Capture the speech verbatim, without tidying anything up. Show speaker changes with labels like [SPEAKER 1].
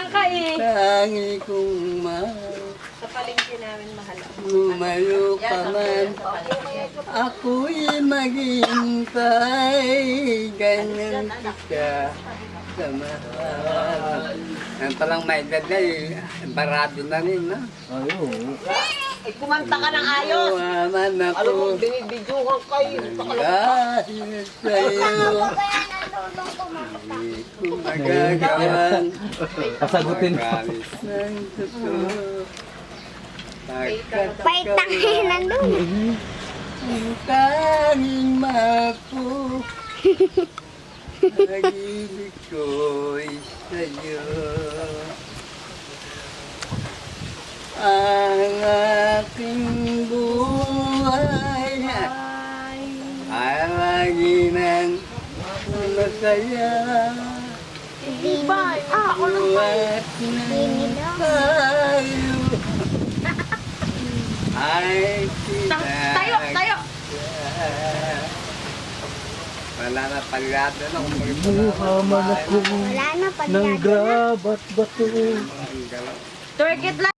[SPEAKER 1] lang ka eh.
[SPEAKER 2] Tangi kong mahal.
[SPEAKER 1] Sa palengke namin mahal.
[SPEAKER 2] Lumayo ka man, ako'y maghintay. Ganyan kita sa mahal. Yan palang may edad na eh. Barado na rin, no?
[SPEAKER 3] Ayun.
[SPEAKER 4] Eh, kumanta ka ng ayos.
[SPEAKER 2] Naman
[SPEAKER 4] Alam mo,
[SPEAKER 2] ako
[SPEAKER 4] binibidyohan kayo.
[SPEAKER 2] dahil sa'yo. Hindi ko magagawang
[SPEAKER 3] Pasagutin mo.
[SPEAKER 2] promise ng totoo.
[SPEAKER 5] Pait tangin nandun.
[SPEAKER 2] Ang tanging mako, pag-ibig ko'y sa'yo. Ang aking buhay ay lagi nang masaya.
[SPEAKER 5] Ah, ako lang
[SPEAKER 2] Buhat ng tayo ay kita.
[SPEAKER 1] Tayo, tayo.
[SPEAKER 2] Wala na paligado na kung
[SPEAKER 3] Buhaman ako
[SPEAKER 5] Wala na pag
[SPEAKER 3] ng grabat bato.
[SPEAKER 2] Ang galaw.
[SPEAKER 1] Twerk it lang.